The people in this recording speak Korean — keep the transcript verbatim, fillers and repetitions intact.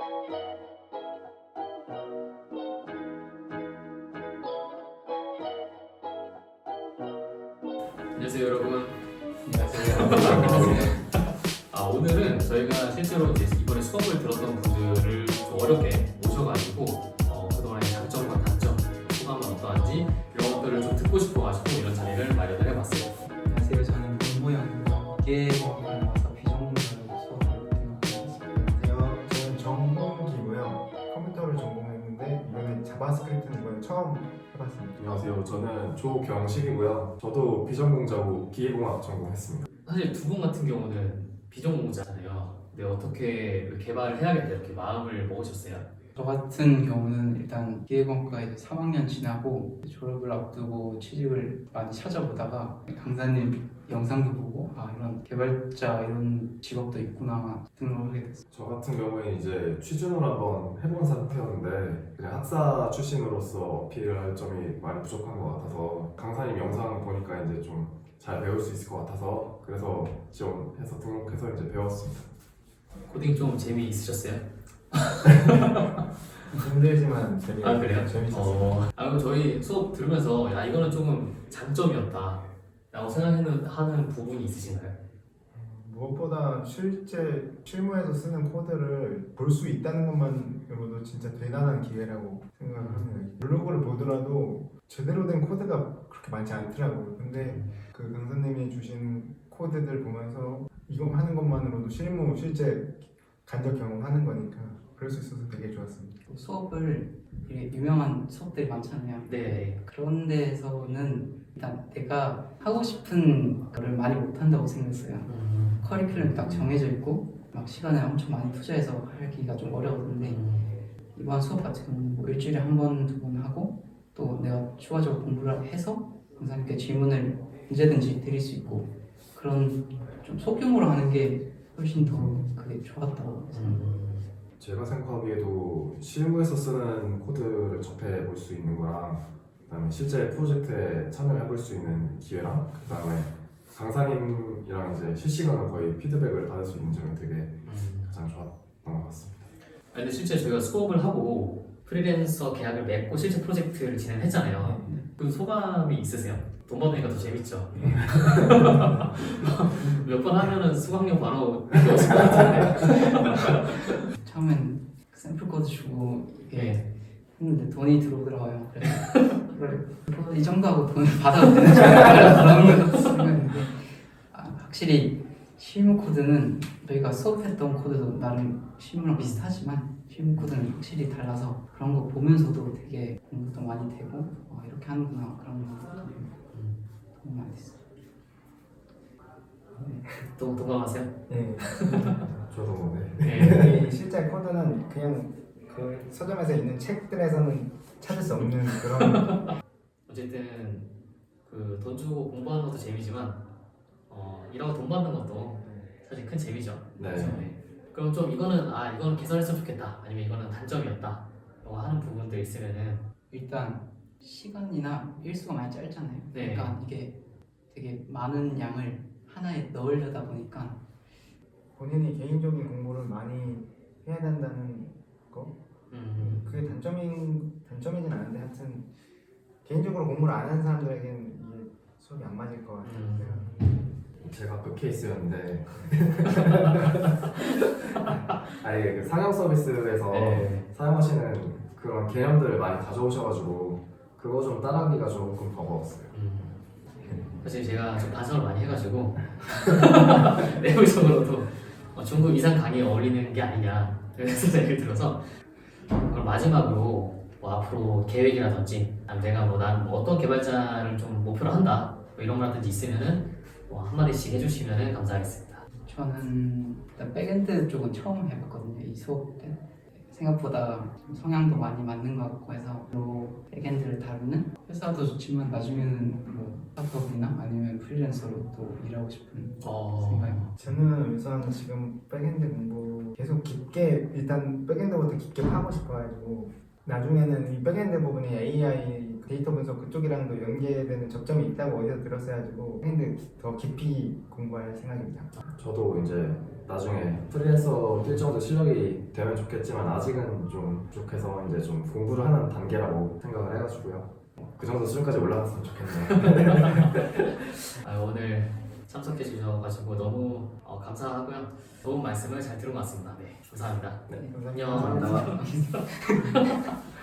안녕하세요 여러분. 안녕하세요. 아, 오늘은 저희가 실제로 이제 이번에 수업을 들었던 분들을 좀 어렵게 모셔가지고 어, 그동안의 장점과 단점, 소감은 어떠한지 이런 것들을 좀 듣고 싶어가지고 이런 자리를 마련을 해봤어요. 안녕하세요. 저는 문모양입니다. 기계공학과에 와서 비전공자로 수업을 진행하고 있습니다. 안녕하세요. 저는 전공기고요. 컴퓨터를 전공했는데 이번에 자바스크립트는 이번에 처음 해봤습니다. 안녕하세요. 저는 조경식이고요. 저도 비전공자고 기계공학 전공했습니다. 사실 두 분 같은 경우는 비전공자잖아요. 근데 어떻게 개발을 해야겠다 이렇게 마음을 먹으셨어요? 저 같은 경우는 일단 기계공학과 이제 삼 학년 지나고 졸업을 앞두고 취직을 많이 찾아보다가 강사님 영상도 보고 아 이런 개발자 이런 직업도 있구나 등록하게 됐어요. 저 같은 경우에는 이제 취준을 한번 해본 상태였는데 그냥 학사 출신으로서 어필을 할 점이 많이 부족한 것 같아서 강사님 영상 보니까 이제 좀 잘 배울 수 있을 것 같아서 그래서 지원해서 등록해서 이제 배웠습니다. 코딩 좀 재미있으셨어요? 힘들지만 되게 아 그래요? 재밌었어요. 어, 아 그럼 저희 수업 들으면서 야 이거는 조금 장점이었다 라고 생각하는 하는 부분이 있으신가요? 무엇보다 실제 실무에서 쓰는 코드를 볼 수 있다는 것만으로도 진짜 대단한 기회라고 생각을 합니다. 블로그를 보더라도 제대로 된 코드가 그렇게 많지 않더라고요. 근데 그 강사님이 주신 코드들 보면서 이거 하는 것만으로도 실무 실제 간접 경험하는 거니까 그럴 수 있어서 되게 좋았습니다. 수업을 되게 유명한 수업들이 많잖아요. 네. 그런 데서는 일단 내가 하고 싶은 거를 많이 못한다고 생각했어요. 음. 커리큘럼이 딱 정해져 있고 막 시간을 엄청 많이 투자해서 하기가 좀 어려웠는데 이번 수업 같은 경우는 뭐 일주일에 한 번, 두 번 하고 또 내가 추가적으로 공부를 해서 강사님께 질문을 언제든지 드릴 수 있고 그런 좀 소규모로 하는 게 훨씬 더 그게 좋았다고 생각해요. 음. 제가 생각하기에도 실무에서 쓰는 코드를 접해 볼 수 있는 거랑 그다음에 실제 프로젝트에 참여해 볼 수 있는 기회랑 그다음에 강사님이랑 이제 실시간으로 거의 피드백을 받을 수 있는 점이 되게 음. 가장 좋았던 것 같습니다. 아, 근데 실제 저희가 수업을 하고 프리랜서 계약을 맺고 실제 프로젝트를 진행했잖아요. 그 소감이 있으세요? 돈 받으니까 더 재밌죠? 몇 번 하면은 수강료 바로 오실 것 같은데. 처음엔 샘플 코드 주고 이게 네. 했는데 돈이 들어오더라고요. 그래서 그래, 뭐이 정도 하고 돈을 받아도 되는 줄 알고 그런 거 생각했는데 아, 확실히 실무 코드는 저희가 수업했던 코드도 나름 실무랑 비슷하지만 실무 코드는 확실히 달라서 그런 거 보면서도 되게 공부도 많이 되고 어, 이렇게 하는구나 그런 거 도움이 많이 됐어요. 또 동감하세요? 네. 저도 뭐 네. 이 실제 코드는 그냥 그 서점에서 있는 책들에서는 찾을 수 없는 그런 어쨌든 그 돈 주고 공부하는 것도 재미지만 어, 일하고 돈 받는 것도 사실 큰 재미죠. 네. 그렇죠? 네. 그럼 좀 이거는 아 이거는 개선했으면 좋겠다 아니면 이거는 단점이었다 라고 하는 부분들 있으면은 일단 시간이나 일수가 많이 짧잖아요. 네. 그러니까 이게 되게 많은 양을 하나에 넣으려다 보니까 본인이 개인적인 공부를 많이 해야 된다는 거 음, 그게 단점인 단점이진 않은데 하여튼 개인적으로 공부를 안 하는 사람들에게는 이게 수업이 안 맞을 것 같아요. 음. 제가 그 케이스였는데 아예 그 상영 서비스에서 네. 사용하시는 그런 개념들을 많이 가져오셔가지고 그거 좀 따라하기가 조금 버거웠어요. 음. 사실 제가 좀 반성을 많이 해가지고 내부적으로도 어, 중급 이상 강의에 어울리는 게 아니냐 그래서 생각이 들어서 그럼 마지막으로 뭐 앞으로 계획이라든지 아니면 내가 뭐 난 뭐 어떤 개발자를 좀 목표로 한다 뭐 이런 거라든지 있으면은 뭐 한마디씩 해주시면 감사하겠습니다. 저는 일단 백엔드 쪽은 처음 해봤거든요. 이 수업 때 생각보다 좀 성향도 많이 맞는 것 같고 해서 로 백엔드를 다루는 회사도 좋지만 나중에는 뭐 스타트업이나 아니면 프리랜서로 또 일하고 싶은 어... 생각입니다. 저는 우선 지금 백엔드 공부 계속 깊게 일단 백엔드부터 깊게 파고 싶어가지고 나중에는 이 백엔드 부분이 에이아이 데이터 분석 그쪽이랑도 연계되는 접점이 있다고 어디서 들었어가지고 핸드 더 깊이 공부할 생각입니다. 저도 이제 나중에 프리랜서 뛸 정도 실력이 되면 좋겠지만 아직은 좀 부족해서 이제 좀 공부를 하는 단계라고 생각을 해가지고요. 그 정도 수준까지 올라갔으면 좋겠네요. 아, 오늘 참석해 주셔가지고 너무 어, 감사하고요. 좋은 말씀을 잘 들은 것 같습니다. 네, 감사합니다. 네, 안녕. 감사합니다. 감사합니다.